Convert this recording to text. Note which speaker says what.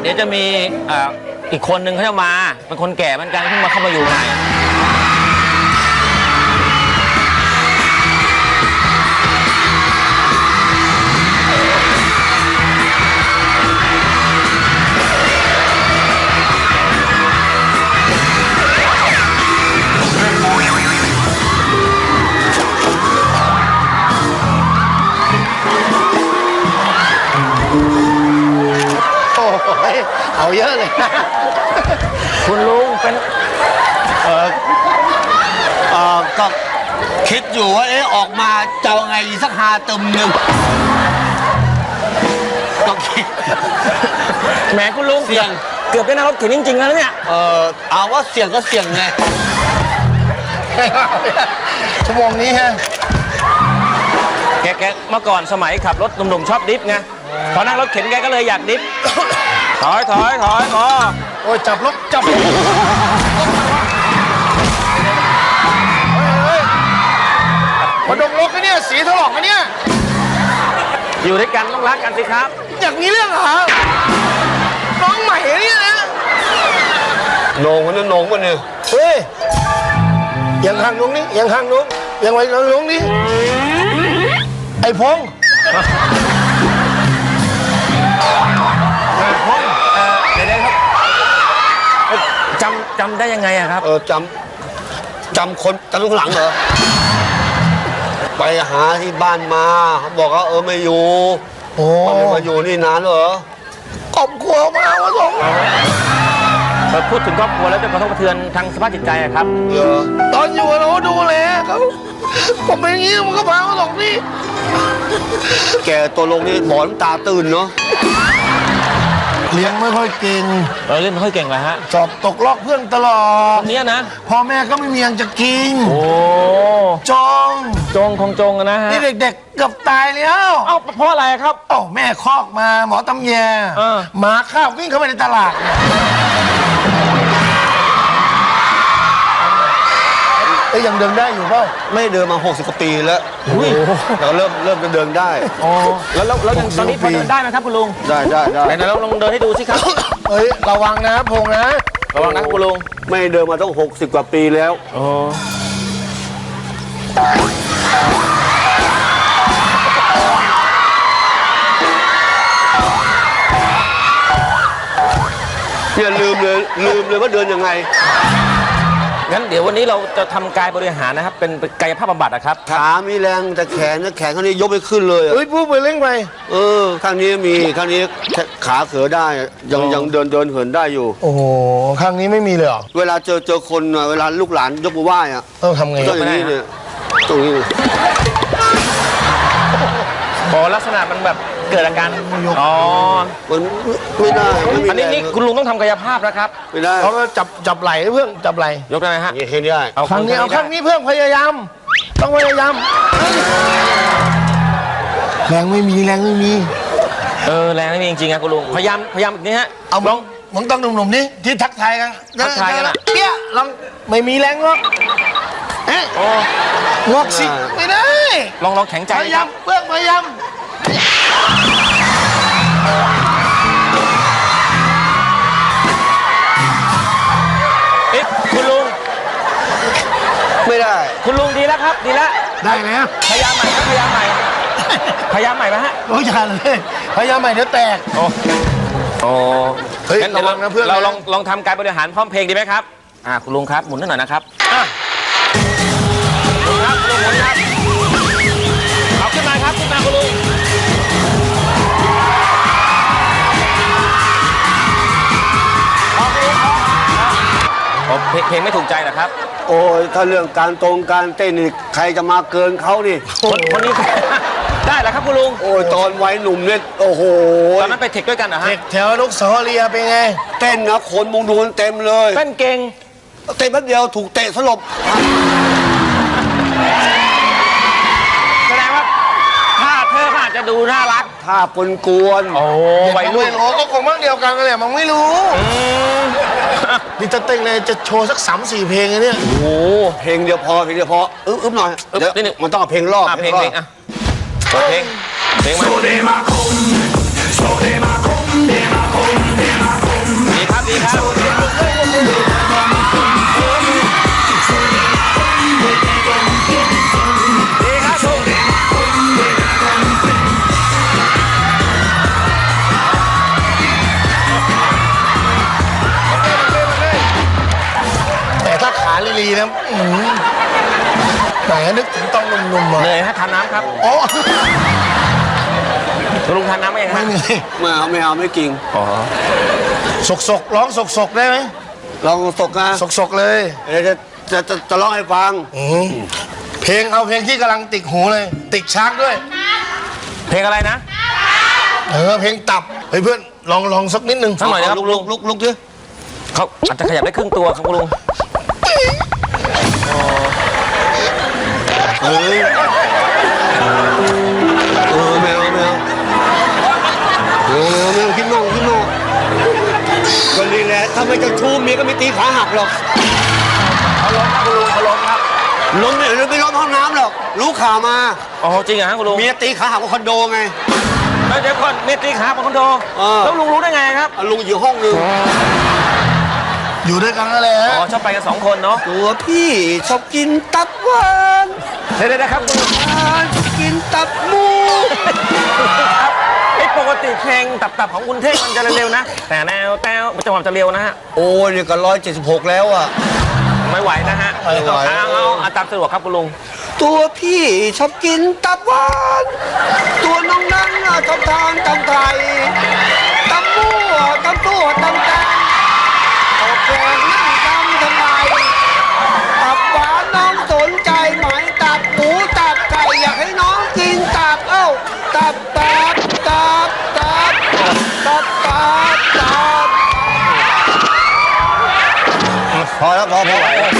Speaker 1: เดี๋ยวจะมีอีกคนนึงเขาจะมาเป็นคนแก่เหมือนกันเพิ่งมาเข้ามาอยู่ใหม่
Speaker 2: เอาเยอะเลย
Speaker 1: คุณลุงเป็น
Speaker 2: ก็คิดอยู่ว่าออกมาจะไงสักหาตึมหนึ่งก็คิด
Speaker 1: แหมคุณลุงเสี่ยงเกือบได้นั่งรถเข็นจริงๆแล้วเนี่ย
Speaker 2: เอาว่าเสี่ยงก็เสี่ยงไงชั่วโมงนี้ฮะ
Speaker 1: แกเมื่อก่อนสมัยขับรถหนุ่มๆชอบดิฟไงพอนั่งรถเข็นแกก็เลยอยากดิฟถอย
Speaker 2: โอ้ยจับรถจับมาดมรถกันเนี่ยสีถลอกกันเนี่ย
Speaker 1: อยู่ด้วยกันต้องรักกันสิครับ
Speaker 2: อย่างนี้เรื่องเหรอน้องใหม่เนี่ยนะโหน่งคนนั้นโหน่งคนนึงเฮ้ยยังห่างนุ้งนี่ยังห่างนุ้งยังไว้นุ้งนี่ไอ้พง
Speaker 1: เดี๋ยวครับจำได้ยังไงอะครับ
Speaker 2: จำคนจำลูกหลังเหรอไปหาที่บ้านมาเขาบอกว่าไม่อยู่ไม่มาอยู่นี่นานเหรอครอบครัวมาวะสง
Speaker 1: พูดถึงครอบครัวแล้วจะกระทบกระเทือนทางสภาพจิตใจอะครับ
Speaker 2: ตอนอยู่เราดูแลเขาผมเป็นอย่างนี้มันก็พามาสงนี่แกตัวลงนี่หมอนตาตื่นเนาะเลี้ยงไม่ค่อยเก่ง
Speaker 1: เล่นไม่ค่อยเก่งเลยฮะ
Speaker 2: สอบตกลอกเพื่อนตลอด
Speaker 1: เนี้ยนะ
Speaker 2: พ่อแม่ก็ไม่มียังจะกิน
Speaker 1: โอ้
Speaker 2: จง
Speaker 1: คงจงนะฮะ
Speaker 2: นี่เด็กๆเกือบตายแล้ว
Speaker 1: เอ้าเพราะอะไรครับ
Speaker 2: แม่คอกมาหมอตำแยหมาข้าววิ่งเข้าไปในตลาดยังเดินได้อยู่เปล่าไม่เดินมา60 กว่าปีแล้วแต่เริ่มจะเดินได้
Speaker 1: แล้วยังตอนนี้พอเดินได้ไหมครับคุณลุง
Speaker 2: ได้
Speaker 1: ไหนเราลองเดินให้ดูสิครับ
Speaker 2: ระวังนะพงนะ
Speaker 1: ระวังนะคุณลุง
Speaker 2: ไม่เดินมาต้อง60 กว่าปีแล้วอย่าลืมเลยว่าเดินยังไง
Speaker 1: งั้นเดี๋ยววันนี้เราจะทำกายบริหารนะครับเป็นกายภาพบำบัดนะครับ
Speaker 2: ขามีแรงแต่แขนข้างนี้ยกไม่ขึ้นเลยพูดไปเร่งไปข้างนี้ข้างนี้ขาเขือได้ยังเดินเหินได้อยู่โอ้โหข้างนี้ไม่มีเลยเหรอเวลาเจอคนเวลาลูกหลานยกมือไหว้ต้องทำไงต้องอย่างนี้เนี่ยตรงนี้
Speaker 1: ลักษณะมันแบบเกิดอาการ
Speaker 2: มันไม่ได้
Speaker 1: อันนี้คุณลุงต้องทำกายภาพนะครับ
Speaker 2: ไม่ได้เขาจับไหล่เพื่อนจับไหล่
Speaker 1: ยกได้ไหมฮะ
Speaker 2: เห็นได้เอาข้างนี้เพื่อนพยายามต้องพยายามแรงไม่มีแรงไม่มี
Speaker 1: แรงไม่มีจริงๆครับคุณลุงพยายามแบบนี้ฮะ
Speaker 2: เอาลองมึงต้องหนุ่มๆนี่ที่ทักทายกันเปี้ยลองไม่มีแรงหรอกงอกสิไม่ได้
Speaker 1: ลองแข็งใจ
Speaker 2: พยายามเพื่อนพยายาม
Speaker 1: คุณลุง
Speaker 2: ไม่ได้
Speaker 1: คุณลุงดีแล้วครับดีแล้ว
Speaker 2: ได้แล้ว
Speaker 1: พยายามใหม่พยายามใหม่ไหมฮะ
Speaker 2: โอ้ยอย่าเลยพยายามใหม่เดี๋ยวแตก
Speaker 1: เฮ้ยงั้นเราลองทำการบริหารพร้อมเพลงดีไหมครับคุณลุงครับหมุนหน่อยนะครับครับลุงหมุนครับเอาขึ้นมาครับขึ้นมาคุณลุงเพลงไม่ถูกใจเหรอครับ
Speaker 2: โอ้ยถ้าเรื่องการเต้นนี่ใครจะมาเกินเขานี่
Speaker 1: คนนี้ได้เหรอครับคุณลุง
Speaker 2: โอ้ยตอนวัยหนุ่มเนี่ยโอ้โห
Speaker 1: ตอนนั้นไปเทคด้วยกันเหรอฮะ
Speaker 2: เทคแถวลูกสาวเรียเป็นไงเต้นนะคนมุงดูเต็มเลย
Speaker 1: เต้นเก่ง
Speaker 2: เต้นแป๊บเดียวถูกเตะสลบ
Speaker 1: แสดงว่าท่าเธออาจจะดูน่ารัก
Speaker 2: ท่าปนกวน
Speaker 1: วัยรุ่น
Speaker 2: ก็คงมั่งเดียวกันเลยมันไม่รู้นี่จะเต้นเลยจะโชว์สัก3-4 เพลงเลยเนี่ยโอ้เพลงเดียวพออึ๊บหน่อยเดี๋ยวมันต้องเอาเพลงรอบ
Speaker 1: เพลงมา
Speaker 3: ลีนะไหนนึกถึงต้องนุ่มๆมา
Speaker 1: เหนื่อยฮะทานน้ำครับ
Speaker 3: อ๋อ
Speaker 1: คุณลุงทานน้ำไหมยัง
Speaker 3: ไม่
Speaker 1: ฮะ
Speaker 3: มี
Speaker 2: ไม่เอาไม่กิน
Speaker 1: อ๋อ
Speaker 3: สกร้องสกได้ไหม
Speaker 2: ลองตกนะ
Speaker 3: สกเลย
Speaker 2: เดี๋ยวจะร้องให้ฟัง
Speaker 3: เพลงเอาเพลงที่กำลังติดหูเลย ติดช้างด้วย
Speaker 1: เพลงอะไรนะ
Speaker 3: เพลงตับเฮ้ยเพื่อนลองสักนิดนึง
Speaker 1: สักหน่อยนะครับคุณลุง
Speaker 2: ลุกดิ
Speaker 1: เขาอาจจะขยับได้ครึ่งตัวครับคุณลุง
Speaker 2: เอ้ยไม่เอาคิดมากก็นี่แหละถ้าไม่จะชูเมียก็ไม่ตีขาหักหรอก
Speaker 1: เขาล้มครับคุณลุงเขาล้มครับ
Speaker 2: ล้มไม่ล้มห้องน้ำหรอกรู้ข่าวมา
Speaker 1: อ๋อจริงเหรอฮะคุณลุง
Speaker 2: เมียตีขาหักบนคอนโดไง
Speaker 1: แล้วเดี๋ยวก่อนเมตรีขาบนคอนโด แล้วลุงรู้ได้ไงครับ
Speaker 2: ลุงอยู่ห้องนึง
Speaker 3: อยู่ด้วยกันนั่นแหละ
Speaker 1: อ๋อชอบไปกันสองคนเนาะ
Speaker 2: ตัวพี่ชอบกินตับหวาน
Speaker 1: เดี๋ยวนะครับคุณลุง
Speaker 2: กินตับหมู
Speaker 1: ครับไอ้ปกติเพลงตับของคุณเท่งมันจะเร็วๆนะ แต่แนวจังหวะจะเร็วนะฮะ
Speaker 2: โอ้ยเนี่ยก็176แล้วอ่ะ
Speaker 1: ไม่ไหวนะฮะ
Speaker 2: ไม่ไหว
Speaker 1: เอาตามสะดวกครับคุณลุง
Speaker 2: ตัวพี่ชอบกินตับหวานตัวน้องนั้นชอบทานตำไทยตำมั่วตำตัวตำแตงออกแกงนั่งทำไมตับหวานน้องสนใจไหมตับหมูตับไก่อยากให้น้องกินตับตับพอแล้วพอ